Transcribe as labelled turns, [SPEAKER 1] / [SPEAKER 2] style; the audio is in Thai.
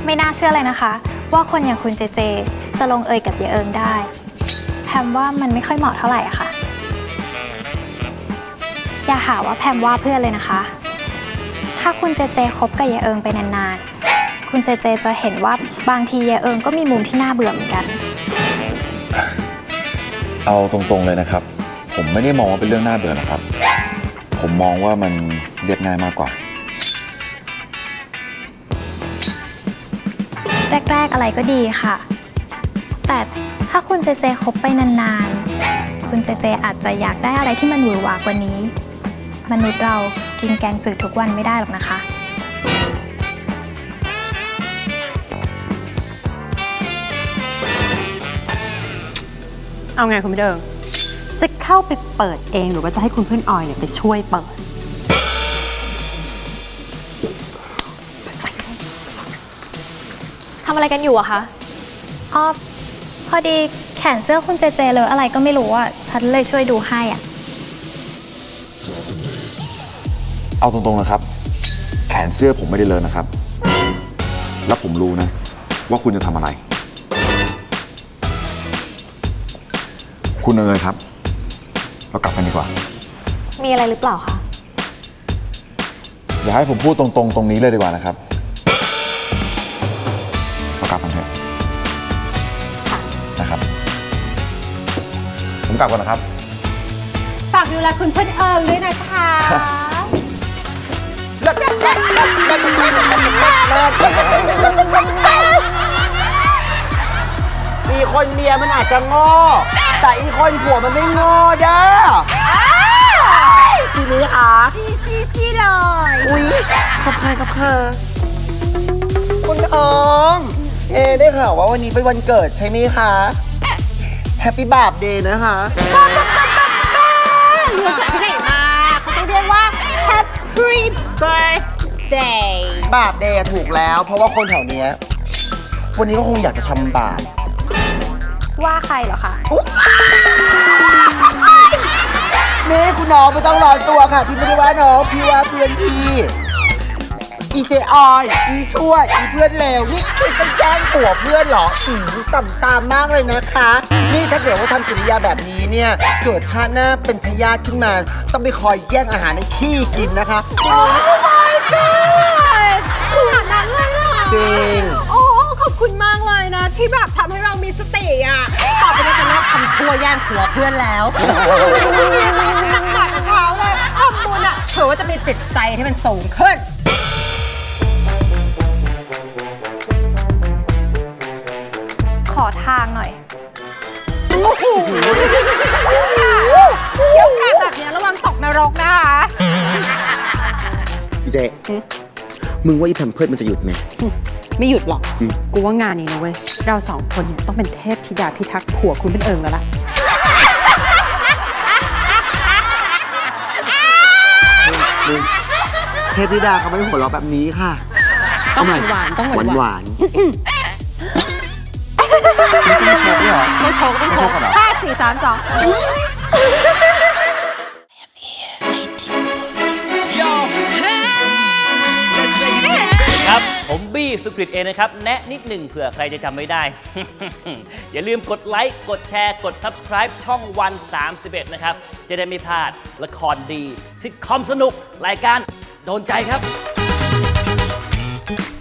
[SPEAKER 1] ไม่น่าเชื่อเลยนะคะว่าคนอย่างคุณเจเจจะลงเอยกับเยเอิงได้แพมว่ามันไม่ค่อยเหมาะเท่าไหร่อะค่ะอย่าหาว่าแพมว่าเพื่อนเลยนะคะถ้าคุณเจเจคบกับเยเอิงไปนานๆคุณเจเจจะเห็นว่าบางทีเยเอิงก็มีมุมที่น่าเบื่อเหมือนกัน
[SPEAKER 2] เอาตรงๆเลยนะครับผมไม่ได้มองว่าเป็นเรื่องน่าเบื่อนะครับผมมองว่ามันเรียบง่ายมากกว่า
[SPEAKER 1] แรกๆอะไรก็ดีค่ะแต่ถ้าคุณเจเจคบไปนานๆคุณเจเจอาจจะอยากได้อะไรที่มันหวือหวากว่านี้มนุษย์เรากินแกงจืดทุกวันไม่ได้หรอกนะคะ
[SPEAKER 3] เอาไงคุณพี่เดิงจะเข้าไปเปิดเองหรือว่าจะให้คุณเพื่อนออยเนี่ยไปช่วยเปิด
[SPEAKER 1] ทำอะไรกันอยู่อะคะอ๋อพอดีแขนเสื้อคุณเจเจเลอะอะไรก็ไม่รู้อะฉันเลยช่วยดูให้อะ
[SPEAKER 2] เอาตรงๆนะครับแขนเสื้อผมไม่ได้เลอะนะครับแล้วผมรู้นะว่าคุณจะทำอะไรคุณเอ๋ยครับเรากลับกันดีกว่า
[SPEAKER 1] มีอะไรหรือเปล่าคะ
[SPEAKER 2] อย่าให้ผมพูดตรงๆตรงนี้เลยดีกว่านะครับเรากลับกันเถอะนะครับผมกลับก่อนนะครับ
[SPEAKER 3] ฝากดูแลคุณเพื่อนเอิงด้วยนะคะ
[SPEAKER 4] อีคนเมียมันอาจจะโง่แต่อีคนผัวมันไม่โง่เด้อชีนี้ค่ะชี้เลยอุ๊ยกับเคยคุณเอิงได้ข่าวว่าวันนี้เป็นวันเกิดใช่ไหมคะแฮปปี้บาร์เดย์นะคะ
[SPEAKER 3] เรียกจากที่ไหนมาเขาต้องเรียกว่า Happy Birthday
[SPEAKER 4] บาปเดย์ถูกแล้วเพราะว่าคนแถวเนี้ยวันนี้ก็คงอยากจะทำบาป
[SPEAKER 1] ว่าใครเหรอคะ
[SPEAKER 4] นี่คุณน้องไม่ต้องร้อนตัวค่ะพี่ไม่ได้ว่าน้องพี่ว่าเพื่อนพี่อีเจออยอีช่วยอีเพื่อนเลวนี่คือจะแย่งผัวเพื่อนเหรอต่ำตามมากเลยนะคะนี่ถ้าเกิดว่าทำกิริยาแบบนี้เนี่ยเกิดชาติหน้าเป็นพยาธิขึ้นมาต้องไปคอยแย่งอาหารในขี้กินนะคะ
[SPEAKER 3] ขนาดนั้นเลยเหรอ
[SPEAKER 4] จริง
[SPEAKER 3] โอ้ขอบคุณมากเลยนะที่แบบทำให้เรามีสติอ่ะต่อไปนี้จะเลิกทำชั่วแย่งผัวเพื่อนแล้วตั้งแต่เช้าเลยทำบุญอ่ะเผื่อว่าจะมีจิตใจที่มันสูงขึ้น
[SPEAKER 1] ขอทางหน่อย
[SPEAKER 3] โอ้โหเที่ยวกาดแบบนี้ระวังตกนรกนะคะ
[SPEAKER 4] พี่เจมึงว่าอีแพมเพิร์ดมันจะหยุดไหม
[SPEAKER 3] ไม่หยุดหรอกกูว่างานนี้นะเว้ยเราสองคนเนี่ยต้องเป็นเทพธิดาพิทักษ์ผัวคุณเป็นเอิงแล้วล่ะ
[SPEAKER 4] เทพธิดาเขาไม่หัวเราะแบบนี้ค่ะ
[SPEAKER 3] ต้องหวานต้องหวาน
[SPEAKER 4] ไม่โชว์ด้วยเหรอ
[SPEAKER 3] ไม่โชว์5 4 3 2
[SPEAKER 5] ครับผมบี้สุกฤตเองนะครับแนะนิดหนึ่งเผื่อใครจะจำไม่ได้ อย่าลืมกดไลค์กดแชร์กด Subscribe ช่องวัน31นะครับจะได้ไม่พลาดละครดีซิทคอมสนุกรายการโดนใจครับ